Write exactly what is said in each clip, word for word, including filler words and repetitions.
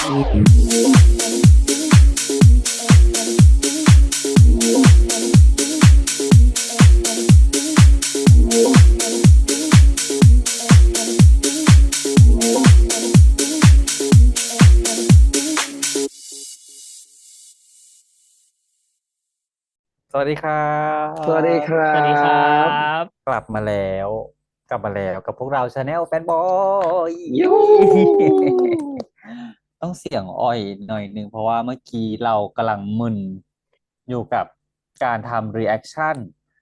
สวัสดีครัสวัสดีบครัสวัสดีครับบกลับมาแล้วกลับมาแล้วกับพวกเราชาแนลแฟนบอยยูฮูต้องเสียงอ่อยหน่อยหนึ่งเพราะว่าเมื่อกี้เรากำลังมึนอยู่กับการทำ reaction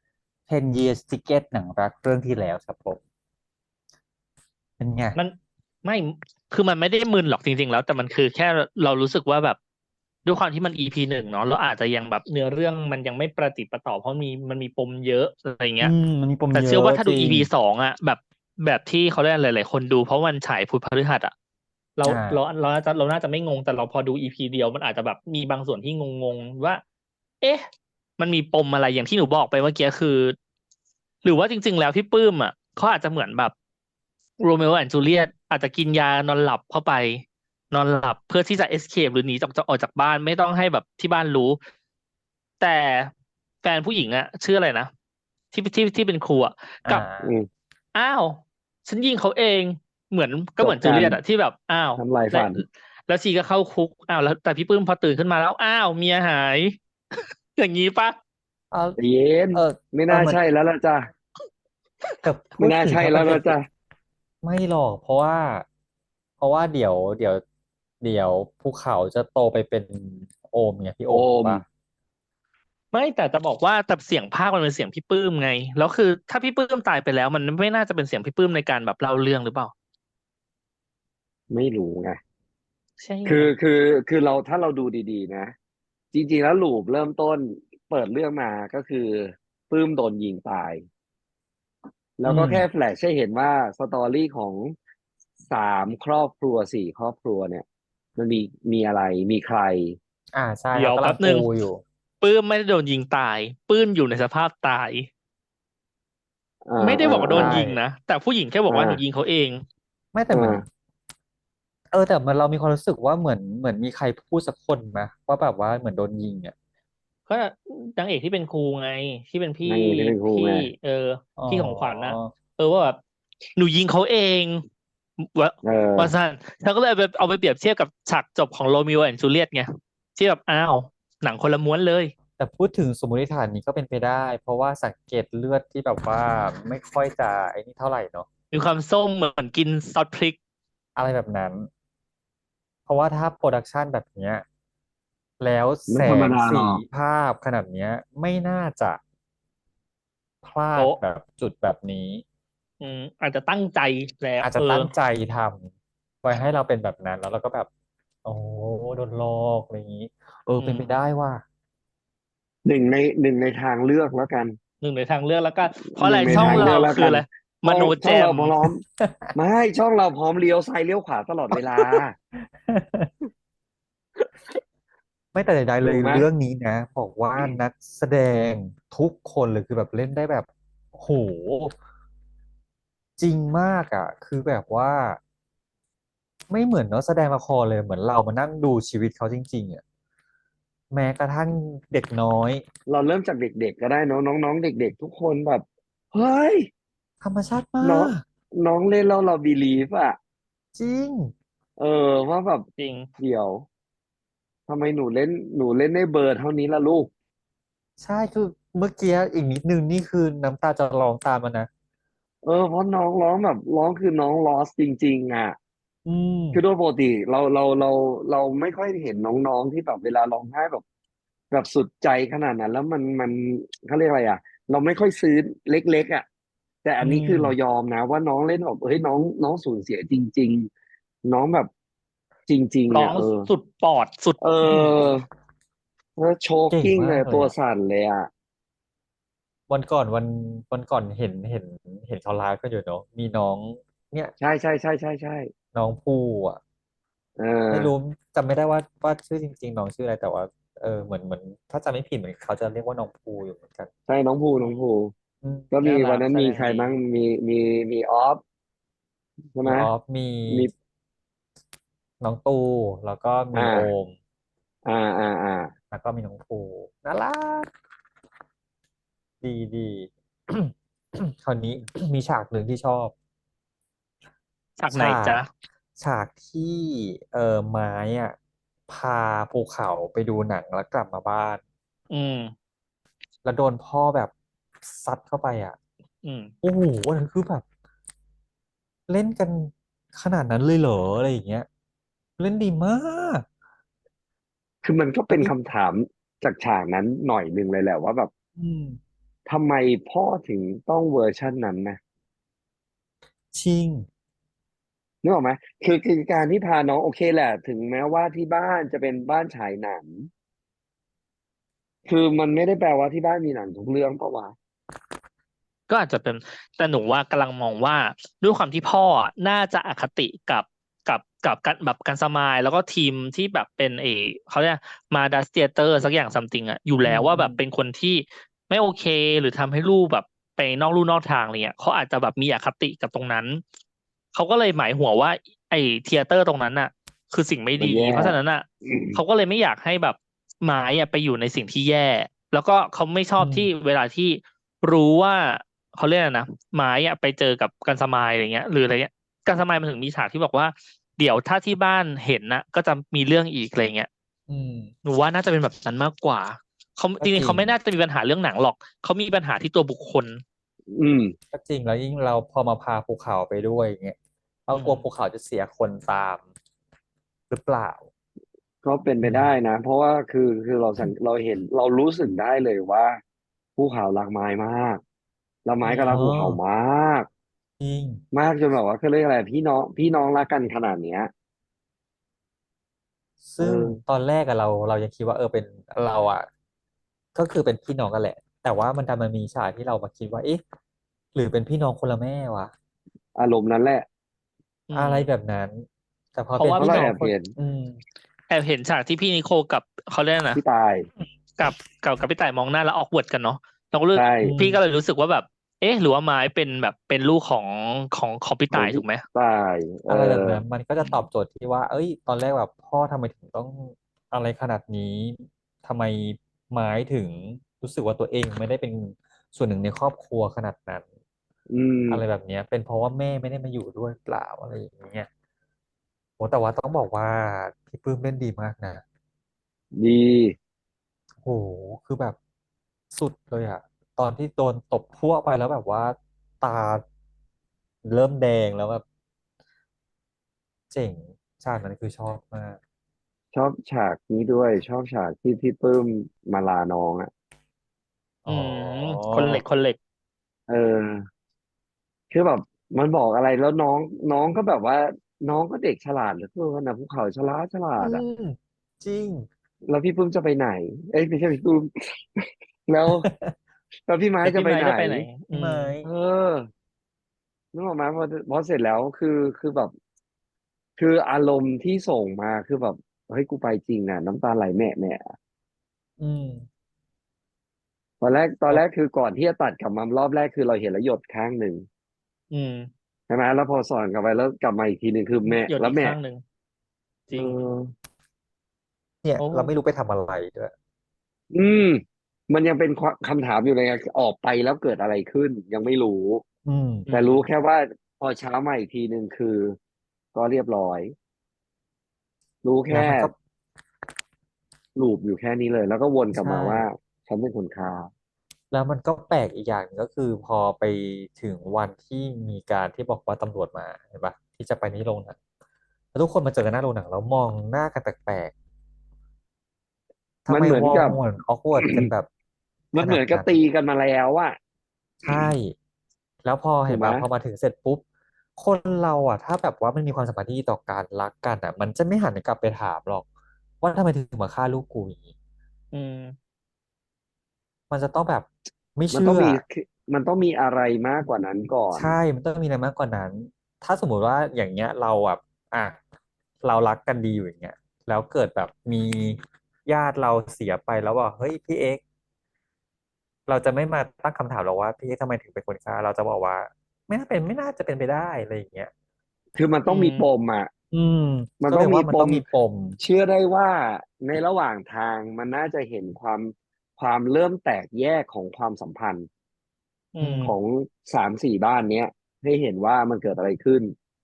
ten years ticket หนังรักเรื่องที่แล้วครับผมเป็นไงมันไม่คือมันไม่ได้มึนหรอกจริงๆแล้วแต่มันคือแค่เรารู้สึกว่าแบบด้วยความที่มัน อี พี หนึ่งเนาะเราอาจจะยังแบบเนื้อเรื่องมันยังไม่ประติดประต่อเพราะมีมันมีปมเยอะอะไรเงี้ยอืมมันมีปมแต่เยอะเชื่อว่าถ้าดูจริงอี พี สองอ่ะแบบแบบที่เขาได้หลายๆคนดูเพราะมันฉายพุธพฤหัสอ่ะเราอ่เราาเราน่าจะเราน่าจะไม่งงแต่เราพอดู อี พี เดียวมันอาจจะแบบมีบางส่วนที่งงๆว่าเอ๊ะมันมีปมอะไรอย่างที่หนูบอกไปเมื่อกี้คือหรือว่าจริงๆแล้วพี่ปื้มอ่ะเขาอาจจะเหมือนแบบ โรเมโอแอนด์จูเลียตอาจจะกินยานอนหลับเข้าไปนอนหลับเพื่อที่จะเอสเคปหรือหนีจากออกจากบ้านไม่ต้องให้แบบที่บ้านรู้แต่แฟนผู้หญิงอะชื่ออะไรนะที่ที่ที่เป็นครูอะอ่กับอืมาอ้าวฉันยิงเขาเองเหมือนก็เหมือนจูจบกันเลียตอะที่แบบอ้าวแล้วทำลายฝันแล้วชีก็เข้าคุกอ้าวแล้วแต่พี่ปื้มพอตื่นขึ้นมาแล้วอ้าวเมียหายอย่างนี้ปะเอาแต่เย็นเออไม่เออมันน่าใช่แล้วล่ะจ้ะแต่พูไม่น่าใช่ดถึงถ้ามันเป็นแล้วล่ะจ้ะไม่หรอกเพราะว่าเพราะว่าเดี๋ยวเดี๋ยวเดี๋ยวภูเขาจะโตไปเป็นโอมไงพี่โอโอมถูกมปะไม่แต่จะบอกว่าแต่เสียงภาคมันเป็นเสียงพี่ปื้มไงแล้วคือถ้าพี่ปื้มตายไปแล้วมันไม่น่าจะเป็นเสียงพี่ปื้มในการแบบเล่าเรื่องหรือเปล่าไม่รู้ไงใช่ไงคือคือคือเราถ้าเราดูดีๆนะจริงๆแล้วลูปเริ่มต้นเปิดเรื่องมาก็คือปื้มโดนยิงตายอืแล้วก็มแค่แฟลชให้เห็นว่าสตอรี่ของสามครอบครัวสี่ครอบครัวเนี่ยมันมีมีอะไรมีใครอ่าใช่เดี๋เขากำลังปูยวแป๊บหนึ่งอยู่ปื้มไม่ได้โดนยิงตายปื้มอยู่ในสภาพตายอ่าไม่ได้อ่าอ่าบอกว่าโดนใช่ยิงนะแต่ผู้หญิงแค่บอกว่าหนูยิงอ่าเขาเองไม่แต่เหมือนอ่าเออแต่เหมันเรามีความรู้สึกว่าเหมือนเหมือนมีใครพูดสักคนไหมว่าแบบว่าเหมือนโดนยิงอ่ะก็นางเอกที่เป็นครูไงที่เป็นพี่นางเอกที่เป็นครูพี่ไงเอออ๋อพี่ของขวัญนะเออว่าแบบหนูยิงเขาเองวะเอว่าสั้อนเธอก็เลยเอาไปเอาไปเปรียบเทียบกับฉากจบของโรมิโอแอนด์จูเลียตไงที่แบบอ้าวหนังคนละม้วนเลยแต่พูดถึงสมมติฐานนี้ก็เป็นไปได้เพราะว่าสังเกตเลือดที่แบบว่าไม่ค่อยจะไอ้นี่เท่าไหร่เนาะมีความส้มเหมือนกินซอสพริกอะไรแบบนั้น เพราะว่าถ้าโปรดักชันแบบเนี้ยแล้วแสไม่ธรรมงสีดาหรอกภาพขนาดเนี้ยไม่น่าจะพลาดโป๊ะแบบจุดแบบนี้อืมอาจจะตั้งใจแล้วอาจเออจะตั้งใจทำไว้ให้เราเป็นแบบนั้นแล้วเราก็แบบโอ้โดนหลอกอะไรอย่างนี้เอออืมเป็นไปได้ว่าหนึ่งในหนึ่งในทางเลือกแล้วกันหนึ่งในทางเลือกแล้วก็เพราะหอะไรนึ่งในทางเลืช่องเราอกแล้วกันคืออะไรมโนช่องแจช่องเรามพร้อมไม่ช่องเราพร้อมเลี้ยวซ้ายเลี้ยวขวาตลอดเวลาไม่แต่ใดๆเลยถูกไหมเรื่องนี้นะบอกว่านักแสดงทุกคนเลยคือแบบเล่นได้แบบโหจริงมากอ่ะคือแบบว่า ไม่เหมือนเนาะแสดงละครเลยเหมือนเรามานั่งดูชีวิตเขาจริงๆอ่ะแม้กระทั่งเด็กน้อยเราเริ่มจากเด็กๆก็ได้เนอะน้องๆเด็กๆทุกคนแบบเฮ้ยธรรมชาติมาน้องกน้องเล่นแล้วเราบีลีฟอ่ะจริงเออว่าแบบจริงเดี๋ยวทำไมหนูเล่นหนูเล่นได้เบอร์เท่านี้ล่ะลูกใช่คือเมื่อกี้อีกนิดนึงนี่คือน้ำตาจะร้องตามมานะเออเพราะน้องร้องแบบร้องคือน้องลอสจริงๆอ่ะอืมคือโดยปกติเราเราเราเราไม่ค่อยเห็นน้องๆที่แบบเวลาร้องไห้แบบแบบสุดใจขนาดนั้นแล้วมันมันเขาเรียกอะไรอ่ะเราไม่ค่อยซื้อเล็กๆอ่ะแต่อัอืนนี้คือเรายมอมนะว่าน้องเล่นแบบเฮ้ยน้องน้องสูญเสียจริงๆน้องแบบจริงๆร้องอ่ะเออสุดปอดสุดเออแล้วโชว์เก่งกิ้งเลยมากเลยอ่ะตัวสั่นเลยอ่ะวันก่อนวันวันก่อนเห็นเห็นเห็นเขาไลฟ์กันอยู่เนาะมีน้องเนี่ยใช่ใช่ใช่ใช่ใช่น้องภูอ่ะเออไม่รู้จำไม่ได้ว่าว่าชื่อจริงๆน้องชื่ออะไรแต่ว่าเออเหมือนเหมือนถ้าจำไม่ผิดเหมือนเขาจะเรียกว่าน้องภูอยู่เหมือนกันใช่น้องภูอืมน้องภูอืมก็มีน่ารักวันนั้นมีแสดงดีใครบ้างมีมีมีออฟ ใช่ไหมีมออฟมีมีน้องตูแล้วก็มีอ่าโอมอ่าอ่าอ่าแล้วก็มีน้องภูน่ารักดีดี คราวนี้ มีฉากหนึ่งที่ชอบฉากไหนฉาจ๊ะกฉากที่เออไม้อ่ะพาภูเขาไปดูหนังแล้วกลับมาบ้านอืมแล้วโดนพ่อแบบซัดเข้าไปอ่ะอืมโอ้โหอันนั้นคือแบบเล่นกันขนาดนั้นเลยเหรออะไรอย่างเงี้ยเล่นดีมากคือมันก็เป็นแล้วพี่คำถามจากฉากนั้นหน่อยหนึ่งเลยแหละว่าแบบอืมทำไมพ่อถึงต้องเวอร์ชันนั้นนะชิงนึกออกไหมคือคือการที่พาน้องโอเคแหละถึงแม้ว่าที่บ้านจะเป็นบ้านฉายหนังคือมันไม่ได้แปลว่าที่บ้านมีหนังทุกเรื่องปะวะก็อาจจะเป็นแต่หนูว่ากำลังมองว่าด้วยความที่พ่ออะน่าจะอคติกับกับกับกันแบบกันสมายแล้วก็ทีมที่แบบเป็นเออเขาเรียกมาดัสเตียเตอร์สักอย่างซัมติงอะอยู่อืแล้วว่ามอืมแบบเป็นคนที่ไม่โอเคหรือทำให้ลูกแบบไปนอกลู่นอกทางอะไรเงี้ยเขาอาจจะแบบมีอคติกับตรงนั้นเขาก็เลยหมายหัวว่าไอ้เทียเตอร์ตรงนั้นน่ะคือสิ่งไม่ดีมันแย่เพราะฉะนั้นน่ะอืมเขาก็เลยไม่อยากให้แบบไม้อะไปอยู่ในสิ่งที่แย่แล้วก็เขาไม่ชออืมบที่เวลาที่รู้ว่าเขาเรียกอะไรนะไม้อะไปเจอกับกันสมายอะไรเงี้ยหรืออะไรเงี้ยกันสมายมันถึงมีฉากที่บอกว่าเดี๋ยวถ้าที่บ้านเห็นนะก็จะมีเรื่องอีกอะไรเงี้ยอืมหนูว่าน่าจะเป็นแบบนั้นมากกว่าเขาจริงๆก็จริงเขาไม่น่าจะมีปัญหาเรื่องหนังหรอกเขามีปัญหาที่ตัวบุคคลอืมก็จริงแล้วยิ่งเราพอมาพาภูเขาไปด้วยอย่างเงี้ยเราอืมกลัวภูเขาจะเสียคนตามหรือเปล่าก็เป็นไปอืมได้นะเพราะว่าคือคือเราสังเราเห็นเรารู้สึกได้เลยว่าภูเขารักไม้มากแล้วอืไม้ก็เอรักภูเขาอมากจริงมากจนแบบว่าเขาเรียกอะไรพี่น้องพี่น้องรักกันขนาดเนี้ยเอซึ่งอตอนแรกอะเราเรายังคิดว่าเออเป็นเราอะก็คือเป็นพี่น้องกันแหละแต่ว่ามันดันมันมีฉากที่เรามาคิดว่าเอ๊ะหรือเป็นพี่น้องคนละแม่วะอารมณ์นั้นแหละอืมอะไรแบบนั้นแต่พอเพราะว่าเป็นพี่เพราะเราน้องคนแอบเห็นอืมแอบเห็นฉากที่พี่นิโคลกับเขาเรียกอะไรนะพี่ตายกับกับกับพี่ต่ายมองหน้าแล้วออกเวิร์ดกันเนาะเราก็เลยใช่อืมพี่ก็เลยรู้สึกว่าแบบเอ๊ะหรือว่าไม้เป็นแบบเป็นลูกของของของพี่ของพี่ต่ายถูกไหมตายเออะไรแบบอนั้นมันก็จะตอบโจทย์ที่ว่าเอ้ยตอนแรกแบบพ่อทำไมถึงต้องอะไรขนาดนี้ทำไมไม้ถึงรู้สึกว่าตัวเองไม่ได้เป็นส่วนหนึ่งในครอบครัวขนาดนั้นอืมอะไรแบบเนี้ยเป็นเพราะว่าแม่ไม่ได้มาอยู่ด้วยเปล่าอะไรอย่างเงี้ยโอ้แต่ว่าต้องบอกว่าพี่ปลื้มเล่นดีมากนะดีโหคือแบบสุดเลยอะตอนที่โดนตบพั่วไปแล้วแบบว่าตาเริ่มแดงแล้วแบบเจ๋งฉากนั้นคือชอบมากชอบฉากนี้ด้วยชอบฉากที่พี่ปลื้มมาลาน้องอ่ะอือ๋อมคนเหล็กคนเหล็กเออคือแบบมันบอกอะไรแล้วน้องน้องก็แบบว่าน้องก็เด็กฉลาดเหลือเกินนะภูเขาฉลาดฉลาอืดอ่ะมจริงแล้วพี่ปลื้มจะไปไหนเอ้ยไม่ใช่พี่ปลื้มแล้วแล้วพี่ไม้แล้วพี่ไม้จะไปไหนจะไปไหนอืพี่ไม้มเออนึกออกไหมพอพอเสร็จแล้วคือคือแบบคืออารมณ์ที่ส่งมาคือแบบเฮ้ยกูไปจริงอ่ะน้ำตาไหลแม่แม่อืมตอนแรกตอนแล้วแรกคือก่อนที่จะตัดกลับมารอบแรกคือเราเห็นแล้วหยดข้างหนึ่งอืมใช่ไหมแล้วพอสอนกลับไปแล้วกลับมาอีกทีหนึ่งคือแม่หยดแล้วแม่อีกข้างหนึ่งจเอริงอเนี่ยโอ้เราไม่รู้ไปทำอะไรด้วยอืมมันยังเป็นคำถามอยู่เลยไงออกไปแล้วเกิดอะไรขึ้นยังไม่รู้อืมอืแต่รู้แค่มว่าพอเช้ามาอีกทีหนึ่งคือก็เรียบร้อยรู้แค่แล้วมันก็ลูปอยู่แค่นี้เลยแล้วก็วนกลับใช่มาว่าฉันเป็นคนฆ่าแล้วมันก็แปลกอีกอย่างหนึ่งก็คือพอไปถึงวันที่มีการที่บอกว่าตำรวจมาเห็นปะที่จะไปที่โรงหนังแล้วทุกคนมาเจอกันหน้าโรงหนังแล้วมองหน้ากันแปลกๆทำมันไมวอลเหมือนกับเหมือนออกว ร์ดกันแบบขมันเหมือนกับนาดนั้นตีกันมาแล้วอะใช่แล้วพอเห็ถูกไหมนปะพอมาถึงเสร็จปุ๊บคนเราอ่ะถ้าแบบว่ามันมีความสัมพันธ์ที่ดีต่อกันรักกันอ่ะมันจะไม่หันกลับไปถามหรอกว่าทำไมถึงมาฆ่าลูกกูอย่างนี้อืมมันจะต้องแบบไม่มันต้องเชื่อมีมันต้องมีอะไรมากกว่านั้นก่อนใช่มันต้องมีอะไรมากกว่านั้น ถ้าสมมุติว่าอย่างเงี้ยเราแบบอ่ะเรารักกันดีอยู่อย่างเงี้ยแล้วเกิดแบบมีญาติเราเสียไปแล้วว่าเฮ้ยพี่เอ็กซ์เราจะไม่มาตั้งคำถามหรอกว่าพี่เอ็กซ์ทำไมถึงเป็นคนฆ่าเราจะบอกว่าไม่น่าเป็นไม่น่าจะเป็นไปได้อะไรอย่างเงี้ยคือมันต้องมีอืมปมอะอืมมันก็เลยว่ามันต้องมีปมต้องมีปมเชื่อได้ว่าในระหว่างทางมันน่าจะเห็นความความเริ่มแตกแยกของความสัมพันธ์อือืมมของสามสี่บ้านเนี้ยให้เห็นว่ามันเกิดอะไรขึ้น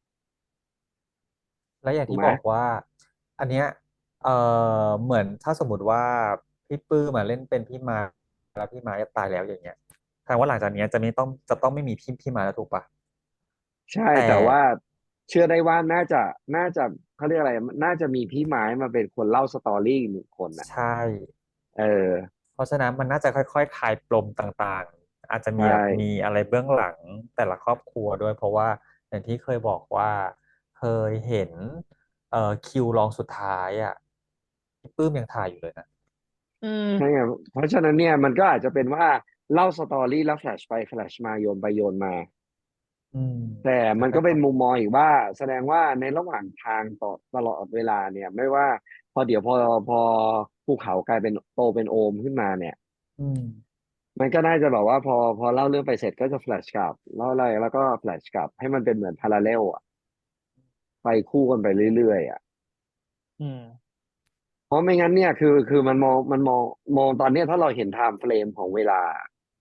แล้วอย่างที่ถูกไหมบอกว่า อันเนี้ยเออเหมือนถ้าสมมติว่าพี่ปื้มมาเล่นเป็นพี่มาแล้วพี่มาจะตายแล้วอย่างเงี้ยแสดงว่าหลังจากเนี้ยจะไม่ต้องจะต้องไม่มีพี่พี่มาแล้วถูกปะใช่แต่แต่ว่าเชื่อได้ว่าน่าจะน่าจะเขาเรียกอะไรน่าจะมีพี่ไม้มาเป็นคนเล่าสตอรี่อีกหนึ่งคนน่ะใช่เออเพราะฉะนั้นมันน่าจะค่อยๆคลายปมต่างๆอาจจะมีใช่แบบมีอะไรเบื้องหลังแต่ละครอบครัวด้วยเพราะว่าอย่างที่เคยบอกว่าเคยเห็นเอ่อคิวรองสุดท้ายอ่ะพี่ปื้มยังถ่ายอยู่เลยนะอืมใช่ไงเพราะฉะนั้นเนี่ยมันก็อาจจะเป็นว่าเล่าสตอรี่แล้วแฟลชไปแฟลชมาโยนไปโยนมาอืมแต่จะมันก็เป็นค่อยมุมมองอีกว่าแสดงว่าในระหว่างทางต่อตลอดเวลาเนี่ยไม่ว่าพอเดี๋ยวพอพอภูเขากลายเป็นโตเป็นโอมขึ้นมาเนี่ยๆอืมมันก็น่าจะแบบว่าพอพอเล่าเรื่องไปเสร็จก็จะแฟลชกลับเล่าอะไรแล้วก็แฟลชกลับให้มันเป็นเหมือนพาราเรลอะไปคู่กันไปเรื่อยๆอะอืมเพราะไม่งั้นเนี่ยคือคือมันมองมันมองมองตอนเนี้ยถ้าเราเห็นไทม์เฟรมของเวลา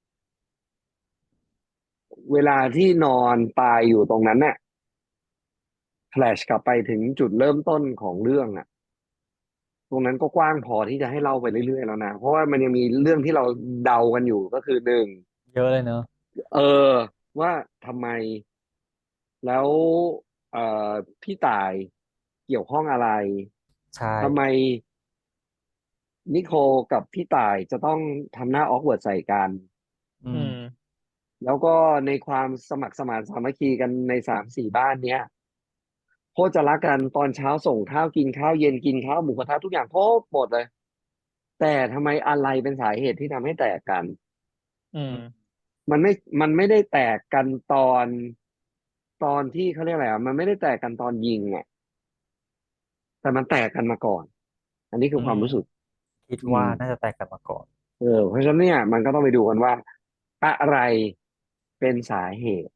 เวลาที่นอนตายอยู่ตรงนั้นเนี่ยแฟลชกลับไปถึงจุดเริ่มต้นของเรื่องอะ ตรงนั้นก็กว้างพอที่จะให้เล่าไปเรื่อยๆแล้วนะเพราะว่ามันยังมีเรื่องที่เราเดากันอยู่ก็คือหนึ่งเยอะเลยเนอะเออว่าทำไมแล้วเอ่อพี่ต่ายเกี่ยวข้องอะไรใช่ทำไมนิโคลกับพี่ต่ายจะต้องทำหน้าออกเวิร์ดใส่กันอืมอืมแล้วก็ในความสมัครสมานสามัคคีกันในสามสี่บ้านเนี้ยโคตรจะรักกันตอนเช้าส่งข้าวกินข้าวเย็นกินข้าวหมูกระทะทุกอย่างโคตรหมดเลยแต่ทำไมอะไรเป็นสาเหตุที่ทำให้แตกกันอืมอืมมันไม่มันไม่ได้แตกกันตอนตอนที่เขาเรียกอะไรอ่ะมันไม่ได้แตกกันตอนยิงอ่ะแต่มันแตกกันมาก่อนอันนี้คือืมอความรู้สึกคิดอืมว่าน่าจะแตกกันมาก่อนเออเพราะฉะนั้นเนี่ยมันก็ต้องไปดูกันว่าอะไรเป็นสาเหตุ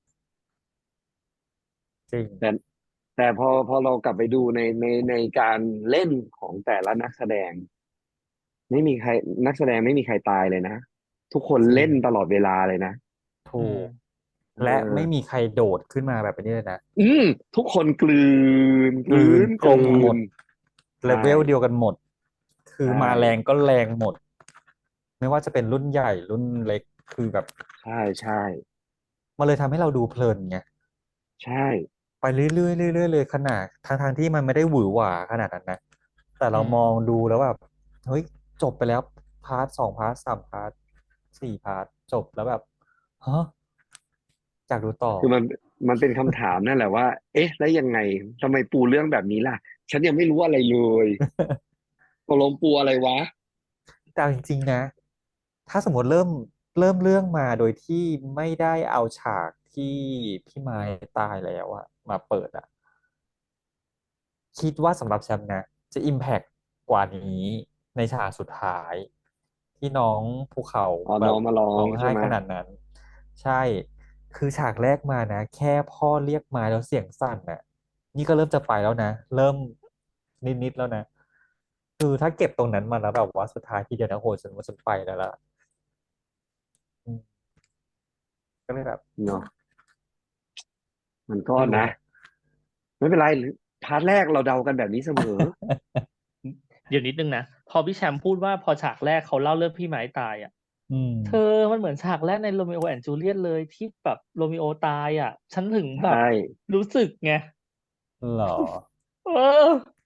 จริงแต่แต่พอพอเรากลับไปดูในในในการเล่นของแต่ละนักแสดงไม่มีใครนักแสดงไม่มีใครตายเลยนะทุกคนจริงเล่นตลอดเวลาเลยนะถูอืมกเและไม่ออมีใครโดดขึ้นมาแบบนี้เลยนะอืมทุกคนกลืนกลืกลืนนกลืกลมหมนดเลใช่เวลเดียวกันหมดคือใช่มาแรงก็แรงหมดไม่ว่าจะเป็นรุ่นใหญ่รุ่นเล็กคือแบบใช่ใช่มันเลยทำให้เราดูเพลินไงใช่ไปเรื่อยๆเรื่อยๆเลยขนาดทางทางที่มันไม่ได้หวือหวาขนาดนั้นนะแต่อืเรามองมดูแล้วแบบเฮ้ยจบไปแล้วพาร์ทสองพาร์ทสามพาร์ทสี่พาร์ทจบแล้วแบบฮะอยากดูต่อคือมันมันเป็นคำถามนั่นแหละว่าเอ๊ะแล้วยังไงทำไมปูเรื่องแบบนี้ล่ะฉันยังไม่รู้อะไรเลยตกลงปูอะไรวะแต่เอาจริงๆนะ ถ้าสมมติเริ่มเริ่มเรื่องมาโดยที่ไม่ได้เอาฉากที่พี่ไม้ตายแล้วอะมาเปิดอะคิดว่าสำหรับแชมป์นะจะอิมแพ t กว่านี้ในฉากสุดท้ายที่น้องภูเขาอ๋อแบบน้องมาร้อร้องไห้งใช่ไหมขนาดนั้นใช่คือฉากแรกมานะแค่พ่อเรียกมาแล้วเสียงสั่นน่ะนี่ก็เริ่มจะไปแล้วนะเริ่มนิดๆแล้วนะคือถ้าเก็บตรงนั้นมาแล้วแบบว่าสุดท้ายทีเดียวนะโหฉันว่าฉันไปแล้วล่ะอืมก็เลยแบบเนาะมันก็นะไม่รู้นะไม่เป็นไรพาร์ทแรกเราเดากันแบบนี้เสมอเดี๋ยวนิดนึงนะพอพี่แชมป์พูดว่าพอฉากแรกเขาเล่าเรื่องพี่ไม้ตายอ่ะอืมเธอมันเหมือนฉากแรกในโรมิโอแอนด์จูเลียตเลยที่แบบโรมิโอตายอ่ะฉันถึงแบบใช่รู้สึกไงเหรอเออ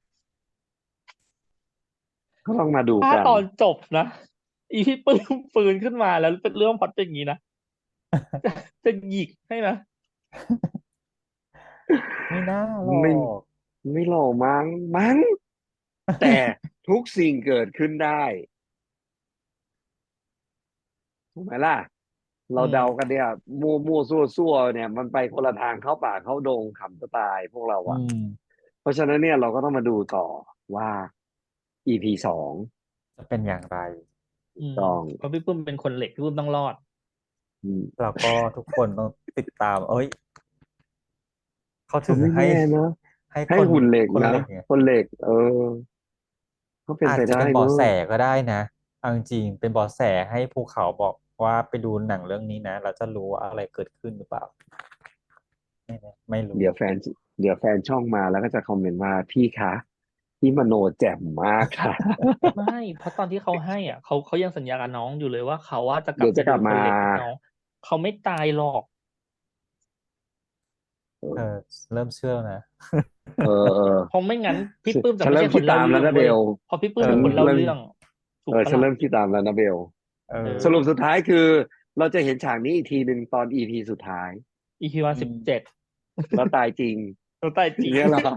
ก็ต้องมาดูถ้ากันตอนจบนะอีพี่ปื้มฟื้นขึ้นมาแล้วเป็นเรื่องพล็อตเป็นอย่างนี้นะจะจะหยิกให้นะไม่น่าหรอไม่กไม่หล่อมั้งมั้งแต่ทุกสิ่งเกิดขึ้นได้ถูกไหมล่ะอืเราเดากันมเนี่ยมั่วมั่วซั่วซั่วเนี่ยมันไปคนละทางเข้าป่าเข้าดงขำจะตายพวกเราอือะมเพราะฉะนั้นเนี่ยเราก็ต้องมาดูต่อว่า อี พี สองจะเป็นอย่างไรอืมต้องเพราะพี่ปื้มเป็นคนเหล็กพี่ปื้มต้องรอดอืมแล้วก็ทุกคนต้องติดตามเอ้ยเขาก็ถึงให้ไม่แน่นะให้ให้คนหุ่นเหล็กคนนะเหล็กเนี่ยคนเหล็ก เออก็เป็นอาจไปได้จะเป็นเบาะเนอะแสก็ได้นะเอาจริงๆเป็นเบาะแสให้ภูเขาบอกว่าไปดูหนังเรื่องนี้นะเราจะรู้ว่าอะไรเกิดขึ้นหรือเปล่าไม่แน่ไม่รู้เดี๋ยวแฟนเดี๋ยวแฟนช่องมาแล้วก็จะคอมเมนต์ว่าพี่คะพี่มโนแจ่มมากค่ะไม่เพราะตอนที่เขาให้อ่ะเขาเขายังสัญญากับน้องอยู่เลยว่าเขาว่าจะกลัเดี๋บไปดูยวจะกลับมาคนเหล็กกับน้องเขาไม่ตายหรอกเอเอออเริ่มเชื่อแล้วนะเออเออเพราะไม่งั้นพี่ฉันปื้มจะฉันไม่ใช่คนเล่าเริ่มคิดตามแล้วเรื่องเว้ยนะเบลเพราะพี่ปื้เอมเป็นคนเล่าเริ่มเรื่องถูเออฉันกปะล่ะเริ่มคิดตามแล้วนะเบลเอเอสรุปอสุดท้ายคือเราจะเห็นฉากนี้อีกทีหนึ่งตอนอีพีสุดท้ายอีพีวันอืมสิบเจ็ดแล้วตายจริงตัวตายจริงเงี้ยเหรอ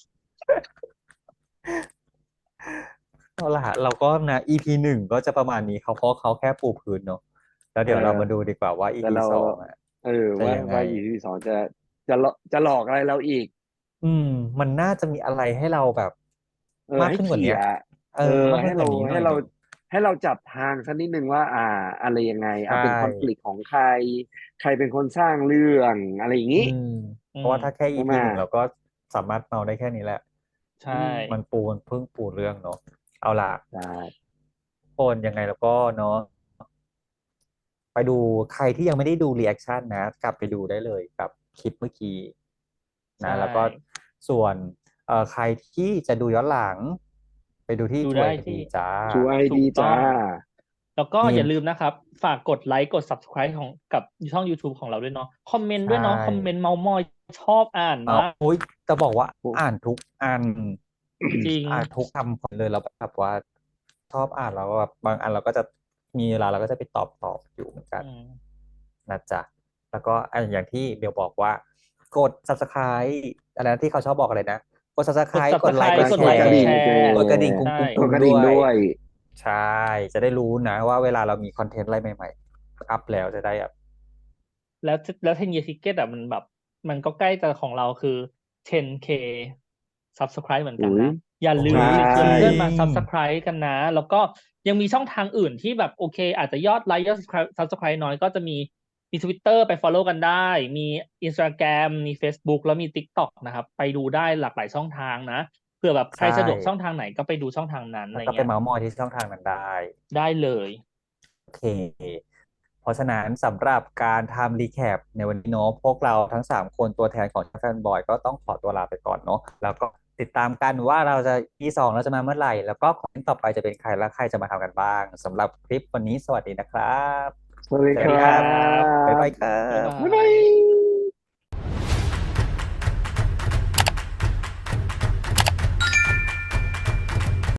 เอาล่ะเราก็นะ อี พี หนึ่งก็จะประมาณนี้เขาเพราะเขาแค่ปูพื้นเนอะแล้วเอเดี๋ยวเราอมาดูดีกว่าว่าแต่อี พีเราสองอ่ะเออว่าจะยังไงว่าอีพีสองจะจะหลอกจะหลอกอะไรเราอีกอืมมันน่าจะมีอะไรให้เราแบบเออมากให้ขึ้นกว่าเนี้ยเขี่ยเออเออมากให้เราขึ้นกว่านี้หน่ให้เราอยหนึ่งให้เราจับทางสักนิดนึงว่าอ่าอะไรยังไงใชอ่ะเป็นคอนฟ lict ่ของใครใครเป็นคนสร้างเรื่องอะไรอย่างอืนี้มอืเพราะมว่าถ้าแค่ใช่ไหมอี พี หนึ่งเราก็สามารถเมาได้แค่นี้แหละใช่อืมมันปูมันเพิ่งปูเรื่องเนาะเอาล่ะใช่คนยังไงแล้วก็เนาะ ไปดูใครที่ยังไม่ได้ดูรีแอคชั่นนะกลับไปดูได้เลยกับคลิปเมื่อกี้ใช่นะแล้วก็ส่วนเอ่อใครที่จะดูย้อนหลังไปดูที่ดูทูไอได้ที่ดีจ้าชูไอถูดีจ้ากต้อง แล้วก็มีอย่าลืมนะครับ ฝากกดไลค์กด ซับสไครบ์ ของกับช่อง ยูทูบ ของเราด้วยเนาะคอมเมนต์ใช่ด้วยเนาะคอมเมนต์เมามอยชอบอ่านเมามากโอ้ยจะบอกว่าโอ้อ่านทุกอันจริงอ่านทุกคำเลยเราแบบว่าชอบอ่านแล้วแบบบางอันเราก็จะมีเวลาเราก็จะไปตอบตอบอยู่เหมือนกันอืมนะจ๊ะแล้วก็อ่ะอย่างที่เบลบอกว่ากด ซับสไครบ์ อะไรนะที่เขาชอบบอกอะไรนะกดกดซับสไครบ์ กดไลค์ กซับสไครบ์ดแชกดไลค์กดร์แชร์กดกระดิ่งกุ้ใช่งกุ้งกดกระดิ่งกุ้งด้วยด้วยใช่จะได้รู้นะว่าเวลาเรามีคอนเทนต์อะไรใหม่ๆอัพแล้วจะได้แบบแล้วแล้วเทนเย e ทิเก็ตอ่ะมันแบบมันก็ใกล้จะของเราคือ เท็น เค ซับสไครบ์ เหมือนกันอุ้ยนะอย่าลืโอ้มใช่ไปชวนยจริเพื่อนมางซับสไครบ์ กันนะแล้วก็ยังมีช่องทางอื่นที่แบบโอเคอาจจะยอดไลค์ยอด ซับสไครบ์ ซับสไครบ์ น้อยก็จะมีมี ทวิตเตอร์ ไป ฟอลโล่ กันได้ มี อินสตาแกรม มี เฟซบุ๊ก แล้วมี ติ๊กต็อก นะครับไปดูได้หลากหลายช่องทางนะเผื่อแบบใครใช่สะดวกช่องทางไหนก็ไปดูช่องทางนั้นอะแล้วก็ไปไรเงี้ยเมาส์มอยที่ช่องทางนั้นได้ได้เลยโอเค เพราะฉะนั้นสำหรับการทำรีแคปในวันนี้เนาะพวกเราทั้งสามคนตัวแทนของแฟนบอยก็ต้องขอตัวลาไปก่อนเนาะแล้วก็ติดตามกันว่าเราจะ อี สองเราจะมาเมื่อไหร่แล้วก็คอนเทนต์ต่อไปจะเป็นใครและใครจะมาทำกันบ้างสำหรับคลิปวันนี้สวัสดีนะครับสวัสดีครัสวัสดีครับบ๊ายบบายครับ๊ายบาบบ๊ายบายย